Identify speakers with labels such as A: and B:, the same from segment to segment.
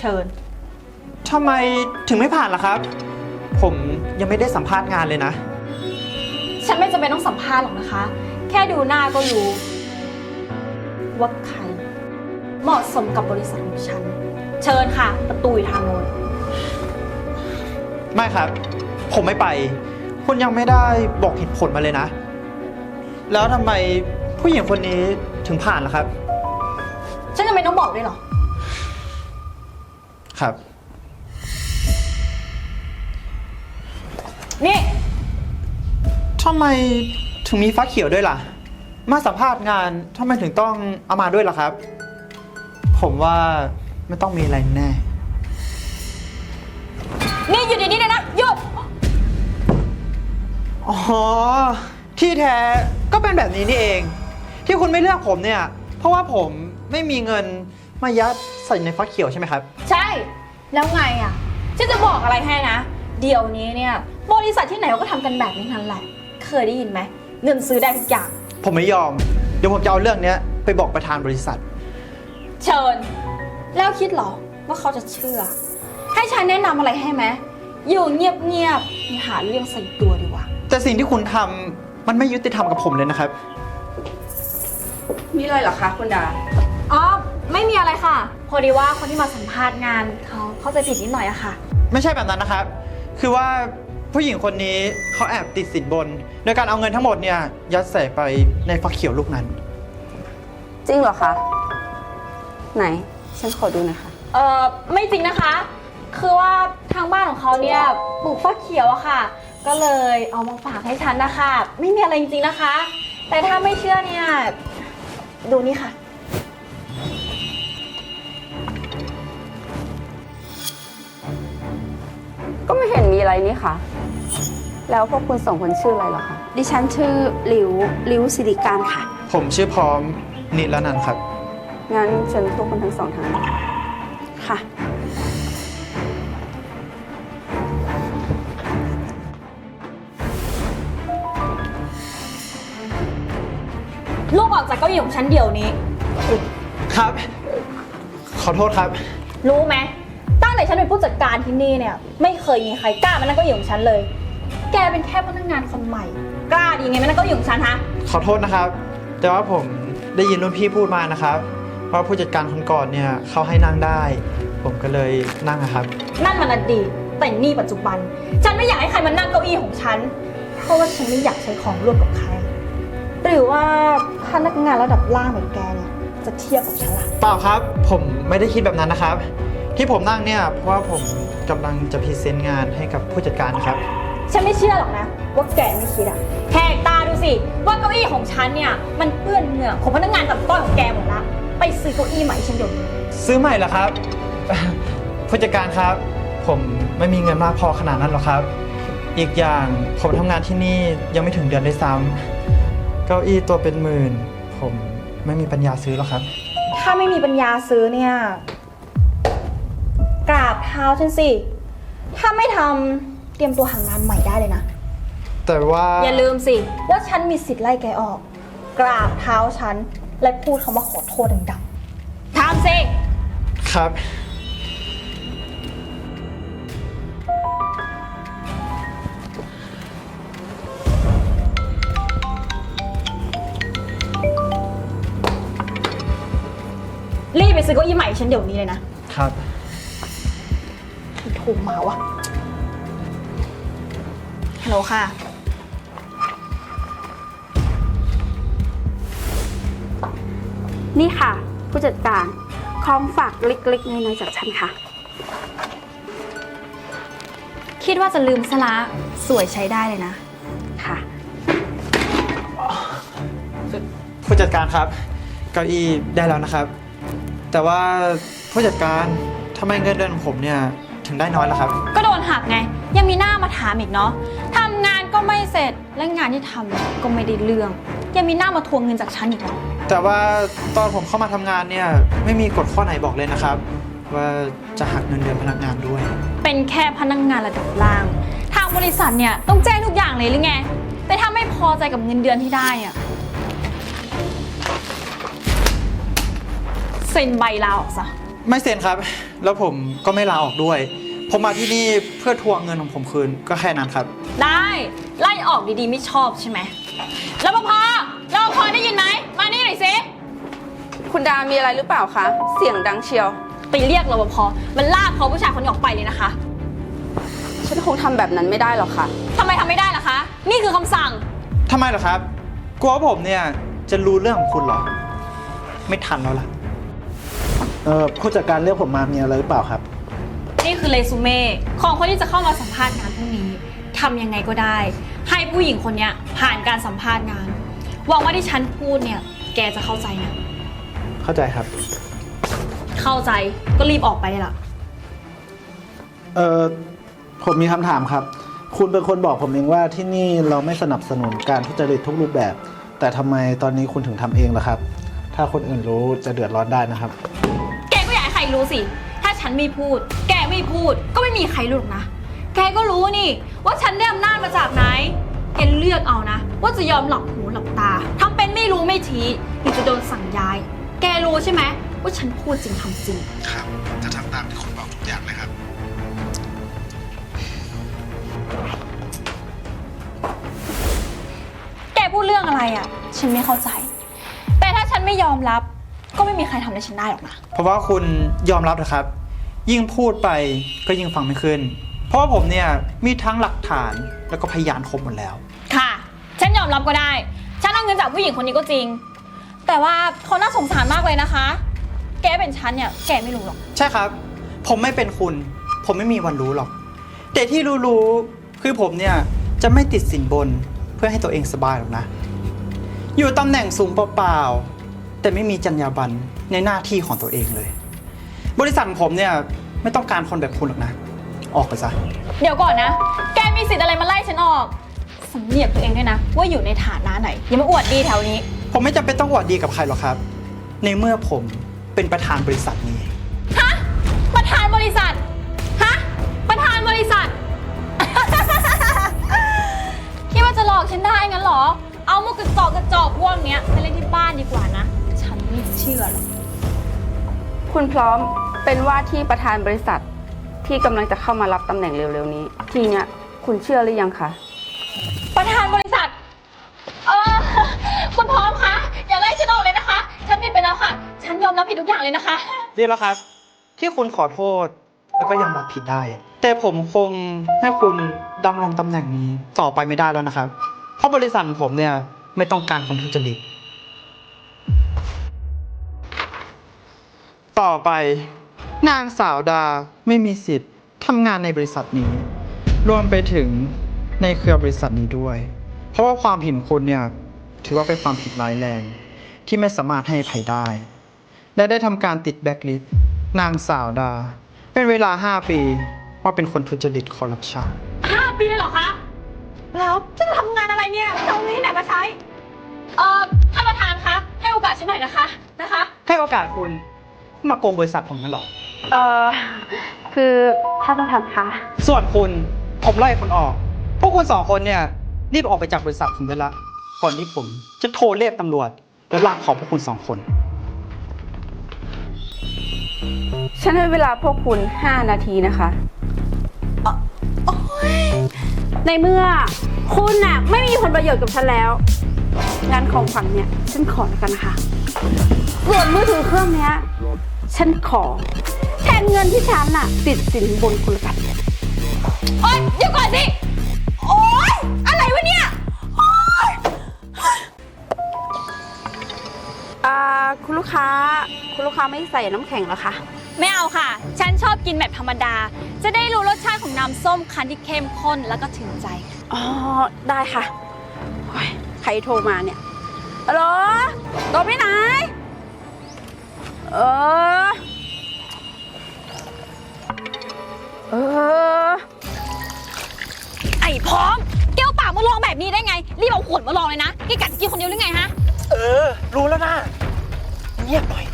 A: ชิญ
B: ทำไมถึงไม่ผ่านล่ะครับผมยังไม่ได้สัมภาษณ์งานเลยนะ
A: ฉันไม่จำเป็นต้องสัมภาษณ์หรอกนะคะ แค่ดูหน้าก็รู้ว่าใครเหมาะสมกับบริษัทของฉันเชิญค่ะประตูอยู่ทางโน้น
B: ไม่ครับผมไม่ไปคุณยังไม่ได้บอกเหตุผลมาเลยนะแล้วทำไมผู้หญิงคนนี้ถึงผ่านล่ะครับ
A: ฉันจำเป็นต้องบอกด้วยเหรอ
B: ครับ
A: นี่
B: ทำไมถึงมีฟ้าเขียวด้วยล่ะมาสัมภาษณ์งานทำไมถึงต้องเอามาด้วยล่ะครับผมว่าไม่ต้องมีอะไรแน่
A: นี่หยุดดีๆเลยนะหยุด
B: อ๋อที่แท้ก็เป็นแบบนี้นี่เองที่คุณไม่เลือกผมเนี่ยเพราะว่าผมไม่มีเงินมายัดใส่ในฟ้าเขียวใช่ไหมครับ
A: ใช่แล้วไงอ่ะฉันจะบอกอะไรให้นะเดี๋ยวนี้เนี่ยบริษัทที่ไหนเขาก็ทำกันแบบนี้ทั้งแหละเคยได้ยินไหมเงินซื้อได้ทุกอย่าง
B: ผมไม่ยอมเดี๋ยวผมจะเอาเรื่องนี้ไปบอกประธานบริษัท
A: เชิญแล้วคิดหรอว่าเขาจะเชื่อให้ฉันแนะนำอะไรให้ไหมอยู่เงียบๆอย่าหาเรื่องใส่ตัวดีกว่า
B: แต่สิ่งที่คุณทำมันไม่ยุติธรรมกับผมเลยนะครับ
C: มีอะไรเหรอคะคุณดา
A: อ๋อไม่มีอะไรค่ะพอดีว่าคนที่มาสัมภาษณ์งานเขาเข้าใจผิดนิดหน่อยอะค่ะ
B: ไม่ใช่แบบนั้นนะครับคือว่าผู้หญิงคนนี้เขาแอบติดสินบนโดยการเอาเงินทั้งหมดเนี่ยยัดใส่ไปในฟักเขียวลูกนั้น
C: จริงเหรอคะไหนฉันขอดูหน่อยค่ะ
A: ไม่จริงนะคะคือว่าทางบ้านของเขาเนี่ยปลูกฟักเขียวอะค่ะก็เลยเอามาฝากให้ฉันนะคะไม่มีอะไรจริงๆนะคะแต่ถ้าไม่เชื่อเนี่ยดูนี่ค่ะ
C: ก็ไม่เห็นมีอะไรนี่ค่ะแล้วพวกคุณสองคนชื่ออะไรเหรอคะ
D: ดิฉันชื่อหลิวสิริการค่ะ
B: ผมชื่อพร้อมนิรนันท์ครับ
C: งั้นเชิญพวกคุณทั้งสองทาง
D: ค่ะ
A: ลูกออกจากเก้าอี้ของฉันเดี๋ยวนี้
B: ครับขอโทษครับ
A: รู้ไหมตั้งแต่ฉันเป็นผู้จัดการที่นี่เนี่ยไม่เคยมีใครกล้ามานั่งเก้าอี้ของฉันเลยแกเป็นแค่พนักงานคนใหม่กล้าดีไงมานั่งเก้าอี้ของฉันฮะ
B: ขอโทษนะครับแต่ว่าผมได้ยินรุ่นพี่พูดมานะครับว่าผู้จัดการคนก่อนเนี่ยเขาให้นั่งได้ผมก็เลยนั่งนะครับ
A: นั่นมันอดีตแต่นี่ปัจจุบันฉันไม่อยากให้ใครมานั่งเก้าอี้ของฉันเพราะว่าฉันไม่อยากใช้ของร่วมกับใครหรือว่าพนักงานระดับล่างแบบแกเนี่ยจะเทียบกับฉันล่ะ
B: เปล่าครับผมไม่ได้คิดแบบนั้นนะครับที่ผมนั่งเนี่ยเพราะว่าผมกำลังจะพรีเซนต์งานให้กับผู้จัดการนะครับ
A: ฉันไม่เชื่อหรอกนะว่าแกไม่คิดอะแหกตาดูสิว่าเก้าอี้ของฉันเนี่ยมันเปื้อนเหงื่อของพนักงานตัดต้อยของแกหมดละไปซื้อเก้าอี้ใหม่ฉันเดี๋ยวนี้
B: ซื้อใหม่เหรอครับผู้จัดการครับผมไม่มีเงินมากพอขนาดนั้นหรอกครับอีกอย่างผมทำงานที่นี่ยังไม่ถึงเดือนด้วยซ้ำเก้าอี้ตัวเป็นหมื่นผมไม่มีปัญญาซื้อหรอกครับ
A: ถ้าไม่มีปัญญาซื้อเนี่ยกราบเท้าฉันสิถ้าไม่ทำเตรียมตัวหางานใหม่ได้เลยนะ
B: แต่ว่า
A: อย่าลืมสิว่าฉันมีสิทธิ์ไล่แกออกกราบเท้าฉันและพูดคำว่าขอโทษดังๆทำสิ
B: ครับ
A: รีบไปซื้อเก้าอี้ใหม่ฉันเดี๋ยวนี้เลยนะครับถูกมาวะฮัลโหลค่ะ
D: นี่ค่ะผู้จัดการของฝากเล็กๆน้อยๆจากฉันค่ะ
A: คิดว่าจะลืมซะละสวยใช้ได้เลยนะ
D: ค่ะ
B: ผู้จัดการครับเก้าอี้ได้แล้วนะครับแต่ว่าผู้จัดการทำไมเงินเดือนของผมเนี่ยถึงได้น้อยล่ะครับ
A: ก็โดนหักไงยังมีหน้ามาถามอีกเนาะทำงานก็ไม่เสร็จและงานที่ทำก็ไม่ได้เรื่องยังมีหน้ามาทวงเงินจากฉันอีกเหรอ
B: แต่ว่าตอนผมเข้ามาทำงานเนี่ยไม่มีกฎข้อไหนบอกเลยนะครับว่าจะหักเงินเดือนพนักงานด้วย
A: เป็นแค่พนักงานระดับล่างทางบริษัทเนี่ยต้องแจ้งทุกอย่างเลยหรือไงแต่ถ้าไม่พอใจกับเงินเดือนที่ได้อะเซ็นใบลาออกซะ
B: ไม่เซ็นครับ แล้วผมก็ไม่ลาออกด้วย ผมมาที่นี่เพื่อทวงเงินของผมคืนก็แค่นั้นครับ
A: ได้ไล่ออกดีๆไม่ชอบใช่ไหมรปภรปภได้ยินไหมมานี่หน่อยสิ
C: คุณดามีอะไรหรือเปล่าคะ เสียงดังเชียว
A: ไปเรียกรปภมันลากเขาผู้ชายคนนี้ออกไปเลยนะคะ
C: ฉันคงทำแบบนั้นไม่ได้หรอกค่ะ
A: ทำไมทำไม่ได้ล่ะคะ นี่คือคำสั่ง
B: ทำไมเหรอครับ กลัวว่าผมเนี่ยจะรู้เรื่องของคุณเหรอ ไม่ทันแล้วล่ะ
E: ผู้จัดการเรียกผมมามีอะไรหรือเปล่าครับ
A: นี่คือเรซูเม่ของคนที่จะเข้ามาสัมภาษณ์งานพรุ่งนี้ทำยังไงก็ได้ ให้ผู้หญิงคนนี้ผ่านการสัมภาษณ์งานหวังว่าที่ฉันพูดเนี่ยแกจะเข้าใจนะ
E: เข้าใจครับ
A: เข้าใจก็รีบออกไปเลยล่ะ
E: ผมมีคำถามครับ คุณเป็นคนบอกผมเองว่าที่นี่เราไม่สนับสนุนการทุจริตทุกรูปแบบ แต่ทำไมตอนนี้คุณถึงทำเองล่ะครับ ถ้าคนอื่นรู้จะเดือดร้อนได้นะครับ
A: แกก็อยากให้ใครรู้สิ ถ้าฉันไม่พูด แกไม่พูด ก็ไม่มีใครรู้หรอกนะ แกก็รู้นี่ว่าฉันได้อำนาจมาจากไหน แกเลือกเอานะ ว่าจะยอมหลับหูหลับตาทำเป็นไม่รู้ไม่ชี้หรือจะโดนสั่งย้าย แกรู้ใช่ไหมว่าฉันพูดจริงทำจริง
E: ครับจะทำตามที่คุณบอกทุกอย่างเลยครับ
A: แกพูดเรื่องอะไรอ่ะ ฉันไม่เข้าใจ แต่ถ้าฉันไม่ยอมรับ ก็ไม่มีใครทำอะไรฉันได้หรอกนะ
B: เพราะว่าคุณยอมรับนะครับ ยิ่งพูดไปก็ยิ่งฟังไม่ขึ้น เพราะว่าผมเนี่ยมีทั้งหลักฐานแล้วก็พยานครบหมดแล้ว
A: ค่ะ ฉันยอมรับก็ได้ ฉันเอาเงินจากผู้หญิงคนนี้ก็จริง แต่ว่าเขาน่าสงสารมากเลยนะคะ แกเป็นฉันเนี่ย แกไม่รู้หรอก
B: ใช่ครับ ผมไม่เป็นคุณ ผมไม่มีวันรู้หรอก แต่ที่รู้ๆคือผมเนี่ยจะไม่ติดสินบนเพื่อให้ตัวเองสบายหรอกนะ อยู่ตำแหน่งสูงเปล่าๆแต่ไม่มีจรรยาบรรณในหน้าที่ของตัวเองเลย บริษัทของผมเนี่ยไม่ต้องการคนแบบคุณหรอกนะ ออกไปซะ
A: เดี๋ยวก่อนนะ แกมีสิทธิ์อะไรมาไล่ฉันออกสำเนียกตัวเองด้วยนะ ว่าอยู่ในฐานะไหน อย่ามาอวดดีแถวนี้
B: ผมไม่จำเป็นต้องอวดดีกับใครหรอกครับ ในเมื่อผมเป็นประธานบริษัทนี้
A: ฮะ ประธานบริษัท ฮะ ประธานบริษัท คิดว่าจะหลอกฉันได้งั้นเหรอ เอามุกกระจอกพวกเนี้ยไปเล่นที่บ้านดีกว่านะ ฉันไม่เชื่อหรอก
C: คุณพร้อมเป็นว่าที่ประธานบริษัทที่กำลังจะเข้ามารับตำแหน่งเร็วๆนี้ ทีเนี้ยคุณเชื่อหรือยังคะ
A: ประธานบริษัท คุณพร้อมคะ อย่าไล่ฉันออกเลยนะคะ ฉันผิดไปแล้วค่ะ ฉันยอมรับผิดทุกอย่างเลยนะคะ
B: ดีแล้วครับ ที่คุณขอโทษแล้วก็ยอมรับผิดได้ แต่ผมคงให้คุณดำรงตำแหน่งนี้ต่อไปไม่ได้แล้วนะครับ เพราะบริษัทของผมเนี่ยไม่ต้องการคนทุจริตต่อไปนางสาวดาไม่มีสิทธิ์ทำงานในบริษัทนี้ รวมไปถึงในเครือบริษัทนี้ด้วย เพราะว่าความผิดของคุณเนี่ยถือว่าเป็นความผิดร้ายแรงที่ไม่สามารถให้อภัยได้ และได้ทำการติดแบล็คลิสต์นางสาวดา เป็นเวลา 5 ปีว่าเป็นคนทุจริตคอร์รัปชัน
A: 5 ปีเลยเหรอคะ แล้วจะทำงานอะไรเนี่ยจะเอาเงินที่ไหนมาใช้ ท่านประธานคะ ให้โอกาสฉันหน่อยนะคะ
B: ให้โอกาสคุณมาโกงบริษัทผมนั่นหรอ
D: คือท่านประธานคะ
B: ส่วนคุณผมไล่คุณออก พวกคุณ2 คนเนี่ยรีบออกไปจากบริษัทผมได้ละก่อนที่ผมจะโทรเรียกตำรวจและลากคอพวกคุณ2 คน
C: ฉันให้เวลาพวกคุณ 5 นาทีนะคะ
D: ในเมื่อคุณน่ะไม่มีผลประโยชน์กับฉันแล้ว งานของขวัญเนี่ยฉันขอแล้วกันนะคะ ส่วนมือถือเครื่องเนี้ยฉันขอแทนเงินที่ฉันน่ะติดสินบนคุณละกัน
A: โอ๊ยเดี๋ยวก่อนสิ โอ๊ย อะไรวะเนี่ย โอ๊ย
D: คุณลูกค้าไม่ใส่น้ำแข็งเหรอคะ
A: ไม่เอาค่ะ ฉันชอบกินแบบธรรมดา จะได้รู้รสชาติของน้ำส้มคั้นที่เข้มข้นแล้วก็ถึงใจ
D: อ๋อ ได้ค่ะโอ๊ยใครโทรมาเนี่ยฮัลโหลโทรไปไหน เออ
A: ไอ้พร้อมแก้วปากมาลองแบบนี้ได้ไง รีบเอาขวดมาลองเลยนะแกกัดกินคนเดียวหรือไงฮะ
B: รู้แล้วนะเงียบหน่อย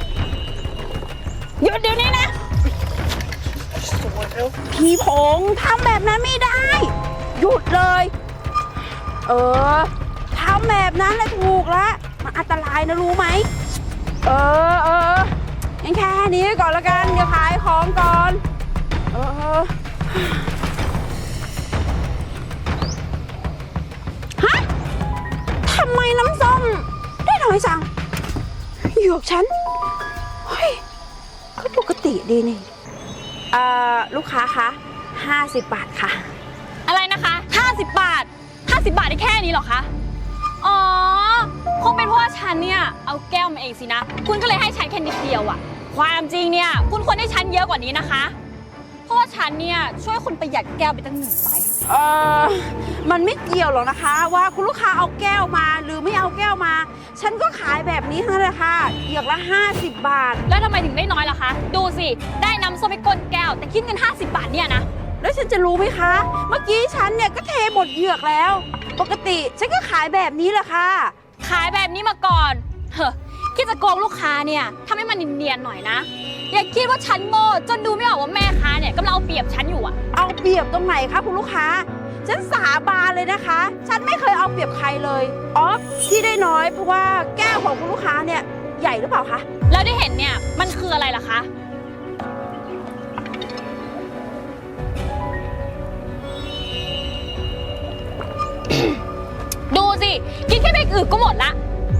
A: หยุดเดี๋ยวนี้นะ
D: พี่พงษ์ทำแบบนั้นไม่ได้ หยุดเลย ทำแบบนั้นแหละถูกละมันอันตรายนะรู้ไหมงั้นแค่นี้ก่อนละกัน เดี๋ยวขายของก่อน ฮะ ทำไมน้ำส้มได้น้อยจังหยวกฉัน เฮ้ย ก็ปกติดีนี่ ลูกค้าคะ50 บาทค่ะ
A: อะไรนะคะ50 บาท50 บาทได้แค่นี้เหรอคะ อ๋อ คงเป็นเพราะว่าฉันเนี่ยเอาแก้วมาเองสินะ คุณก็เลยให้ฉันแค่นิดเดียวอะความจริงเนี่ยคุณควรให้ฉันเยอะกว่านี้นะคะ เพราะว่าฉันเนี่ยช่วยคุณประหยัดแก้วไปตั้ง1 ใบ
D: มันไม่เกี่ยวหรอกนะคะ ว่าคุณลูกค้าเอาแก้วมาหรือไม่เอาแก้วมา ฉันก็ขายแบบนี้เท่านั้นแหละค่ะเหยือกละ50 บาท
A: แล้วทำไมถึงได้น้อยล่ะคะ ดูสิ ได้น้ำส้มไปก้นแก้ว แต่คิดเงิน50 บาทเนี่ยนะ
D: แล้วฉันจะรู้ไหมคะ เมื่อกี้ฉันเนี่ยก็เทหมดเหยือกแล้ว ปกติฉันก็ขายแบบนี้แหละค่ะ
A: ขายแบบนี้มาก่อนเฮ้อคิดจะโกงลูกค้าเนี่ยทำให้มันเนียนๆหน่อยนะ อย่าคิดว่าฉันโง่จนดูไม่ออกว่าแม่ค้าเนี่ยกำลังเอาเปรียบฉันอยู่อะ
D: เอาเปรียบตรงไหนคะคุณลูกค้า ฉันสาบานเลยนะคะ ฉันไม่เคยเอาเปรียบใครเลยอ๋อที่ได้น้อยเพราะว่าแก้วของคุณลูกค้าเนี่ยใหญ่หรือเปล่าคะ
A: แล้วที่เห็นเนี่ยมันคืออะไรล่ะคะ ดูสิ กินแค่เบรกอื่นก็หมดละ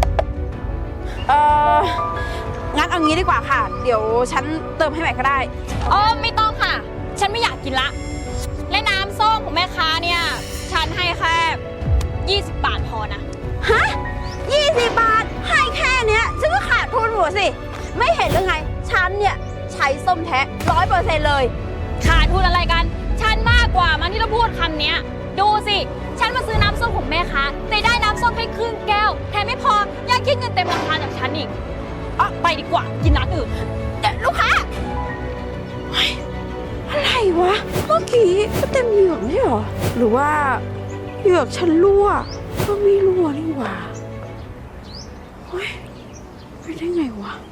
D: งั้นเอางี้ดีกว่าค่ะ เดี๋ยวฉันเติมให้ใหม่ก็ได้
A: ไม่ต้องค่ะ ฉันไม่อยากกินละ และน้ำส้มของแม่ค้าเนี่ย ฉันให้แค่20 บาทพอนะ
D: ฮะ20 บาท ให้แค่เนี้ยฉันก็ขาดทุนหัวสิ ไม่เห็นหรือไง ฉันเนี่ยใช้ส้มแท้100%เลย
A: ขาดทุนอะไรกัน ฉันมากกว่ามันที่ต้องพูดคำเนี้ย ดูสิ ฉันมาซื้อน้ำส้มของแม่ค้าแต่ได้น้ำส้มแค่ครึ่งแก้ว แถมไม่พอยังคิดเงินเต็มราคาจากฉันอีกไปดีกว่า กินร้านอื่น
D: ลูกค้าเฮ้ยอะไรวะ เมื่อกี้ก็เต็มเหยือกไม่ใช่เหรอ หรือว่าเหยือกฉันรั่ว ก็ไม่รั่วนี่หว่าเฮ้ยไปได้ไงวะ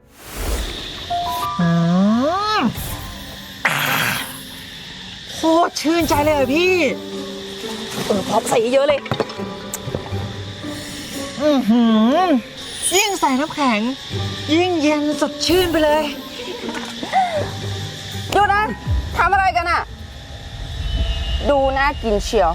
F: โคตรชื่นใจเลยอะพี่
A: พร้อมใส่เยอะเลย
F: ยิ่งใส่น้ำแข็ง ยิ่งเย็นสดชื่นไปเลย
C: ดูนะทำอะไรกันอะดูน่ากินเชียว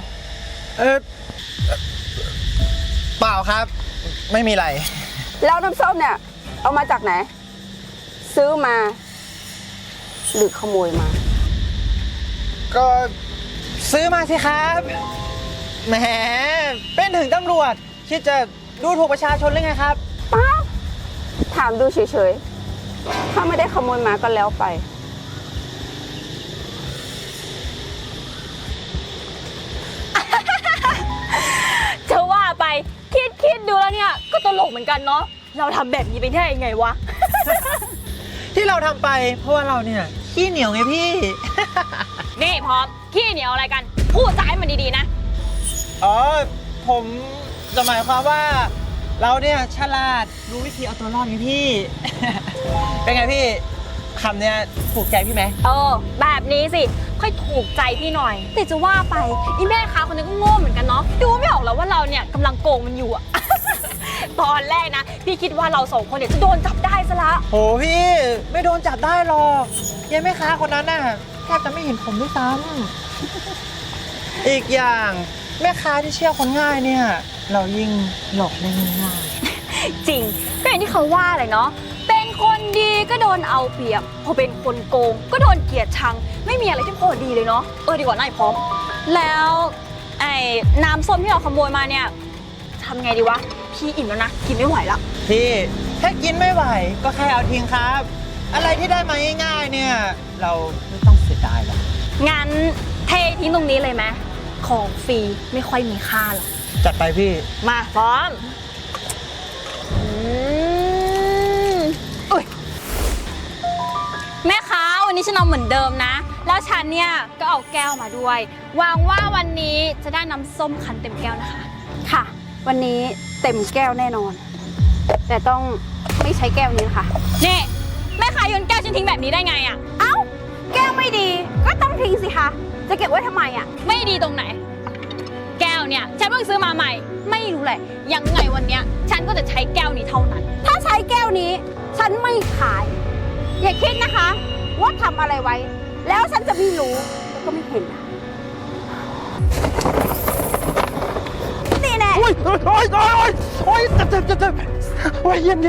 B: เปล่าครับ ไม่มีอะไร
C: แล้วน้ำส้มเนี่ย เอามาจากไหน ซื้อมา หรือขโมยมา
B: ก็ซื้อมาสิครับ แหม เป็นถึงตำรวจ คิดจะดูถูกประชาชนหรือไงครับ
C: ป้าถามดูเฉยๆ ถ้าไม่ได้ขโมยมาก็แล้วไป
A: จะว่าไปคิดดูแล้วเนี่ย ก็ตลกเหมือนกันเนาะ เราทำแบบนี้ไปได้ยังไงวะ
B: ที่เราทำไปเพราะว่าเราเนี่ยขี้เหนียวไงพี่
A: นี่พร้อมขี้เหนียวอะไรกัน พูดจาให้มันดีๆนะ
B: อ๋อ ผมจะหมายความว่า เราเนี่ยฉลาดรู้วิธีเอาตัวรอดไงพี่ เป็นไงพี่คำเนี้ยถูกใจพี่ไหม
A: แบบนี้สิ ค่อยถูกใจพี่หน่อย แต่จะว่าไปอีแม่ค้าคนนี้ก็โง่เหมือนกันเนาะ ดูไม่ออกแล้วว่าเราเนี่ยกำลังโกงมันอยู่อะ ตอนแรกนะ พี่คิดว่าเรา2 คนเนี่ยจะโดนจับได้ซะละ
B: โหพี่ไม่โดนจับได้หรอกยังแม่ค้าคนนั้นน่ะแทบจะไม่เห็นผมด้วยซ้ำ อีกอย่างแม่ค้าที่เชื่อคนง่ายเนี่ย เรายิ่งหลอกได้ง่าย
A: จริงก็อย่างที่เขาว่าเลยเนาะ เป็นคนดีก็โดนเอาเปรียบ พอเป็นคนโกงก็โดนเกลียดชัง ไม่มีอะไรที่พอดีเลยเนาะ ดีกว่านายพร้อม แล้วไอ้น้ำส้มที่เราขโมยมาเนี่ยทำไงดีวะ พี่อิ่มแล้วนะ กินไม่ไหวแล้ว
B: พี่ถ้ากินไม่ไหวก็แค่เอาทิ้งครับ อะไรที่ได้มาง่ายๆเนี่ย เราไม่ต้องเสียดายหรอก
A: งั้นเททิ้งตรงนี้เลยไหมของฟรีไม่ค่อยมีค่าหรอก
B: จัดไปพี่
A: มาพร้อมอุ๊ยแม่ค้าวันนี้ฉันเอาเหมือนเดิมนะ แล้วฉันเนี่ยก็เอาแก้วมาด้วยหวังว่าวันนี้จะได้น้ำส้มคั้นเต็มแก้วนะคะ
D: ค่ะ วันนี้เต็มแก้วแน่นอน แต่ต้องไม่ใช้แก้วนี้นะคะ
A: นี่แม่ค้าโยนแก้วฉันทิ้งแบบนี้ได้ไงอะ
D: เอ้า แก้วไม่ดี ก็ต้องทิ้งสิคะ จะเก็บไว้ทำไมอ่ะ
A: ไม่ดีตรงไหน แก้วเนี่ยฉันเพิ่งซื้อมาใหม่ ไม่รู้แหละยังไงวันเนี้ยฉันก็จะใช้แก้วนี้เท่านั้น
D: ถ้าใช้แก้วนี้ ฉันไม่ขายอย่าคิดนะคะ ว่าทำอะไรไว้ แล้วฉันจะไม่รู้แล้วก็ไม่เห็นนะนี่แน่
B: โอ้ยโอ้ยโอ้ยโอ้ยโอ้ยเจ็บโอ้ยเย็น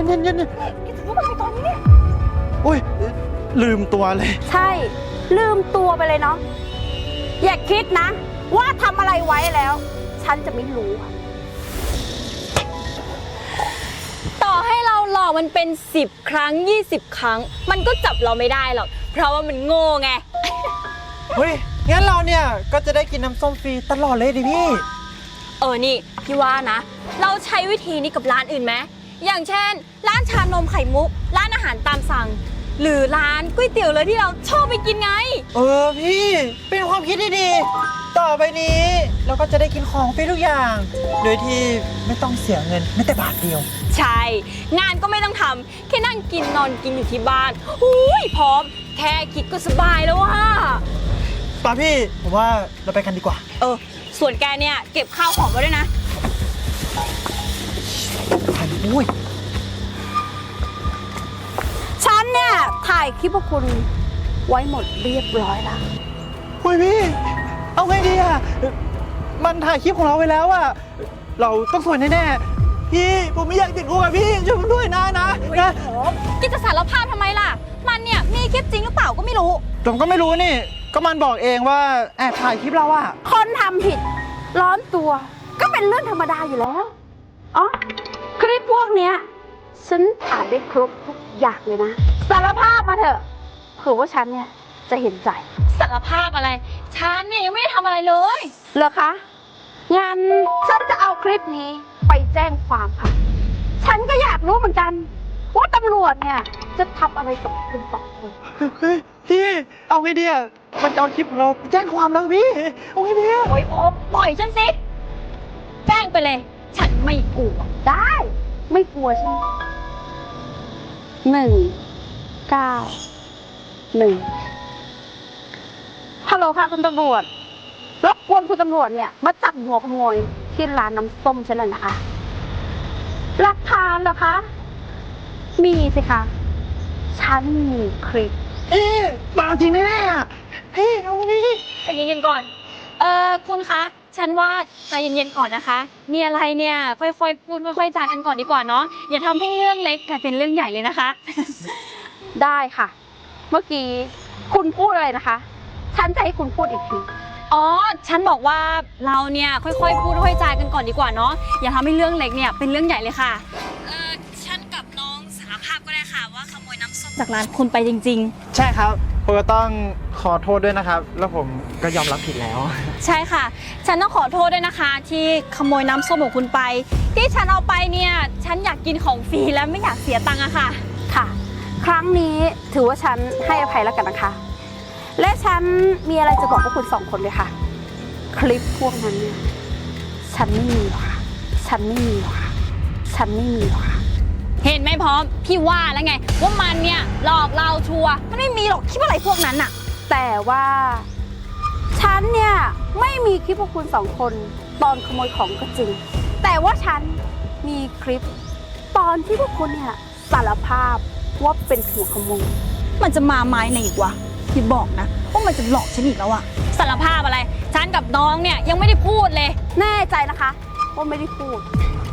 B: โอ้ยลืมตัวเลย
D: ใช่ ลืมตัวไปเลยเนาะอย่าคิดนะ ว่าทำอะไรไว้แล้ว ฉันจะไม่รู้อะ
A: ต่อให้เราหลอกมันเป็น10 ครั้ง 20 ครั้ง มันก็จับเราไม่ได้หรอก เพราะว่ามันโง่ไง
B: เฮ้ย งั้นเราเนี่ยก็จะได้กินน้ำส้มฟรีตลอดเลยดิพี่
A: นี่พี่ว่านะ เราใช้วิธีนี้กับร้านอื่นไหมอย่างเช่น ร้านชานมไข่มุก ร้านอาหารตามสั่ง หรือร้านก๋วยเตี๋ยวเลยที่เราชอบไปกินไง
B: พี่ เป็นความคิดที่ดี ต่อไปนี้เราก็จะได้กินของฟรีทุกอย่าง โดยที่ไม่ต้องเสียเงินแม้แต่บาทเดียว
A: ใช่ งานก็ไม่ต้องทำแค่นั่งกินนอนกินอยู่ที่บ้านอุ้ยพร้อม แค่คิดก็สบายแล้วว่า
B: ป่ะพี่ ผมว่าเราไปกันดีกว่า
A: ส่วนแกเนี่ยเก็บข้าวของไว้ด้วยนะ
B: อุ้ย
D: ฉันเนี่ยถ่ายคลิปพวกคุณไว้หมดเรียบร้อยแล้ว
B: อุ้ยพี่ เอาไงดีอ่ะ มันถ่ายคลิปของเราไปแล้วอ่ะ เราต้องสวยแน่ๆ พี่ ผมไม่อยากติดคุกอ่ะพี่ ช่วยผมด้วยนะ
A: กิจะสารภาพทำไมล่ะ มันเนี่ยมีคลิปจริงหรือเปล่าก็ไม่รู้
B: ผมก็ไม่รู้นี่ ก็มันบอกเองว่าแอบถ่ายคลิปเราอ่ะ
D: คนทำผิดร้อนตัว ก็เป็นเรื่องธรรมดาอยู่แล้ว อ๋อ คลิปพวกเนี้ย ฉันอ่านได้ครบทุกอย่างเลยนะ สารภาพมาเถอะเผื่อว่าฉันเนี่ยจะเห็นใจ
A: สารภาพอะไร ฉันเนี่ยยังไม่ได้ทำอะไรเลย
D: เหรอคะ งั้นฉันจะเอาคลิปนี้ไปแจ้งความค่ะ ฉันก็อยากรู้เหมือนกัน ว่าตำรวจเนี่ยจะทำอะไรกับคุณสองคน
B: เฮ้ยพี่ เอาไงดีอ่ะ มันจะเอาคลิปของเราไปแจ้งความแล้วพี่ เอาไงดีอ่ะ
A: โอ๊ยโอมปล่อยฉันสิ แจ้งไปเลย ฉันไม่กลัว
D: ได้ ไม่กลัวใช่ไหม1 9 1ฮัลโหลค่ะคุณตำรวจรบกวนคุณตำรวจเนี่ยมาจับหัวขโมยที่ร้านน้ำส้มฉันเลยนะคะหลักฐานเหรอคะ มีสิคะ ฉันมีคลิป
B: มาจริงแน่ๆอ่ะพี่ เอาไงดี
A: ใจเย็นๆก่อน คุณคะ ฉันว่าใจเย็นๆก่อนนะคะ มีอะไรเนี่ยค่อยๆพูดค่อยๆจากันก่อนดีกว่าเนาะ อย่าทำให้เรื่องเล็กกลายเป็นเรื่องใหญ่เลยนะคะ
D: ได้ค่ะ เมื่อกี้คุณพูดอะไรนะคะ ฉันจะให้คุณพูดอีกที
A: อ๋อ ฉันบอกว่าเราเนี่ยค่อยๆพูดค่อยๆจากันก่อนดีกว่าเนาะ อย่าทำให้เรื่องเล็กเนี่ยเป็นเรื่องใหญ่เลยค่ะ ฉันกับน้องสารภาพก็ได้ค่ะว่าขโมยน้ำส้มจากร้านคุณไปจริง
B: ใช่ครับ ผมก็ต้องขอโทษด้วยนะครับ แล้วผมก็ยอมรับผิดแล้ว
A: ๆ ใช่ค่ะ ฉันต้องขอโทษด้วยนะคะ ที่ขโมยน้ำส้มของคุณไป ที่ฉันเอาไปเนี่ย ฉันอยากกินของฟรีและไม่อยากเสียตังค์อะค่ะ
D: ค่ะ ครั้งนี้ถือว่าฉันให้อภัยแล้วกันนะคะ และฉันมีอะไรจะบอกพวกคุณสองคนเลยค่ะ คลิปพวกนั้นเนี่ย ฉันไม่มีหรอกค่ะ ฉันไม่มีหรอกค่ะ ฉันไม่มีหรอกค่ะ
A: เห็นไหมพร้อม พี่ว่าแล้วไง ว่ามันเนี่ยหลอกเราชัวร์มันไม่มีหรอกคิดว่าอะไรพวกนั้นอะ
D: แต่ว่า ฉันเนี่ยไม่มีคลิปพวกคุณสองคนตอนขโมยของก็จริง แต่ว่าฉันมีคลิปตอนที่พวกคุณเนี่ยสารภาพว่าเป็นหัวขโมย
A: มันจะมาไม้ไหนอีกวะพี่บอกนะว่ามันจะหลอกฉันอีกแล้วอะสารภาพอะไร ฉันกับน้องเนี่ยยังไม่ได้พูดเลย
D: แน่ใจนะคะว่าไม่ได้พูด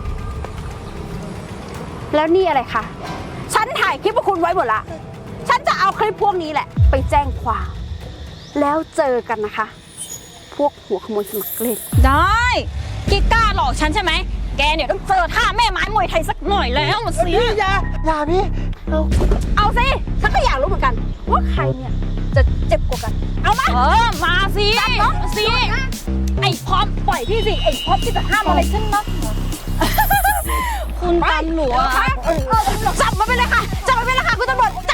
D: แล้วนี่อะไรคะ ฉันถ่ายคลิปพวกคุณไว้หมดละ ฉันจะเอาคลิปพวกนี้แหละ ไปแจ้งความ แล้วเจอกันนะคะ พวกหัวขโมยสมัครเล่น
A: ได้กิ๊กกล้าหลอกฉันใช่ไหมแกเนี่ยต้องเจอท่าแม่ไม้มวยไทยสักหน่อยแล้วมันเสีย
B: พี่อย่าพี่
D: เอาสิ ฉันก็อยากรู้เหมือนกัน ว่าใครเนี่ยจะเจ็บกว่ากัน เอามา
A: มาสิมาสิไอ้พร้อมปล่อยพี่สิไอ้พร้อมที่จะห้ามอะไรฉันนะคุณตำรวจ
D: จับมาไปเลยค่ะ จับมาไปเลยค่ะคุณตำรวจ